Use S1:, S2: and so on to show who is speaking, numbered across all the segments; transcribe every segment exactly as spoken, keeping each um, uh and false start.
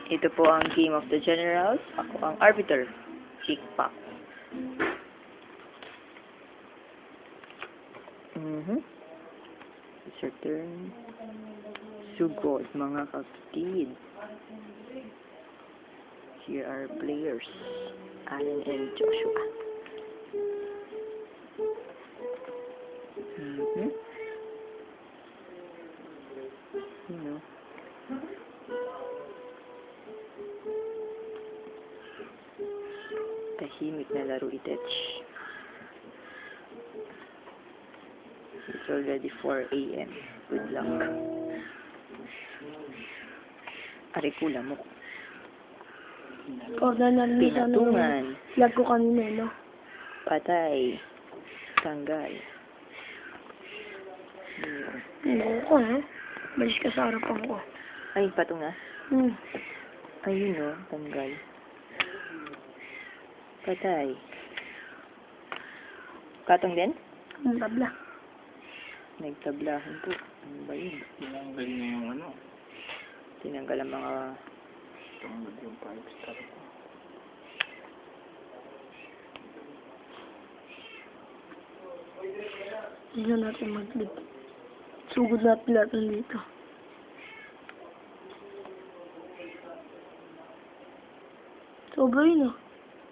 S1: Ito po ang Game of the Generals. Ako ang Arbiter. Chick-Pack. Mm-hmm. It's your turn. Sugod, mga kapatid. Here are players. Allen and Joshua. Mm-hmm. You know. Tahimik na laro itech. It's already four A M Good luck. Arikula mo.
S2: Ikaw na narinig na
S1: Pinatungan.
S2: Lag ko kanina, no?
S1: Patay. Tanggal.
S2: Hindi ko, eh. Balis ka sa harapan ko.
S1: Ay, patong na.
S2: Hmm.
S1: Ayun o, tanggal. Patay. Katong din?
S2: Ang tabla.
S1: Nagtablahan po. Ano ba yun?
S3: Tinanggal niya yung ano.
S1: Tinanggal ang mga...
S3: Tinanggal yung five star ko.
S2: Hindi na natin mag-clip. Sugod natin lahat nandito. Sobra yun, ah.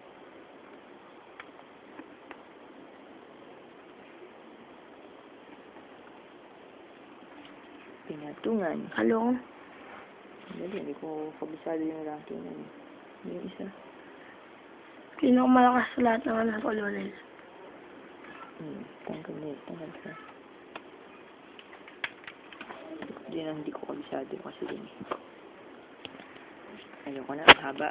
S1: Pinatungan.
S2: Hello?
S1: Dali, hindi ko kabisado yung ranking na yun. Yung isa.
S2: Pinakamalakas sa lahat ng anak ko, Lionel.
S1: Hmm, tanggal na yun. Tanggal ka. Hindi na hindi ko kabisado kasi din. Ayoko na, haba.